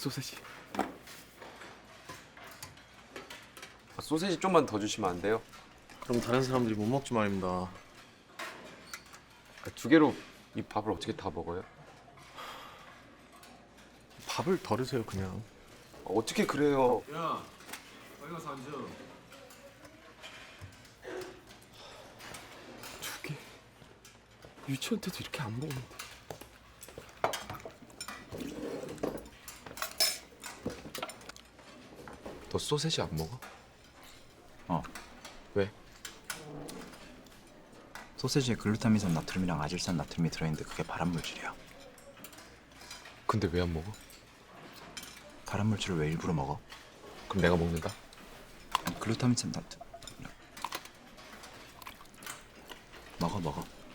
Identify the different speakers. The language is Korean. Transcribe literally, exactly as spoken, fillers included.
Speaker 1: 소세지. 아, 소세지 좀만 더 주시면 안 돼요?
Speaker 2: 그럼 다른 사람들이 못 먹지 말입니다.
Speaker 1: 아, 두 개로 이 밥을 어떻게 다 먹어요?
Speaker 2: 밥을 덜으세요 그냥.
Speaker 1: 아, 어떻게 그래요?
Speaker 2: 야, 빨리 가서 앉아.
Speaker 1: 두 개. 유치원 때도 이렇게 안 먹었는데. 너 소세지 안 먹어?
Speaker 3: 어.
Speaker 1: 왜?
Speaker 3: 소세지에 글루타민산 나트륨이랑 아질산 나트륨이 들어있는데 그게 발암물질이야.
Speaker 1: 근데 왜 안 먹어?
Speaker 3: 발암물질을 왜 일부러 먹어?
Speaker 1: 그럼 내가 먹는다?
Speaker 3: 아니, 글루타민산 나트 먹어 먹어.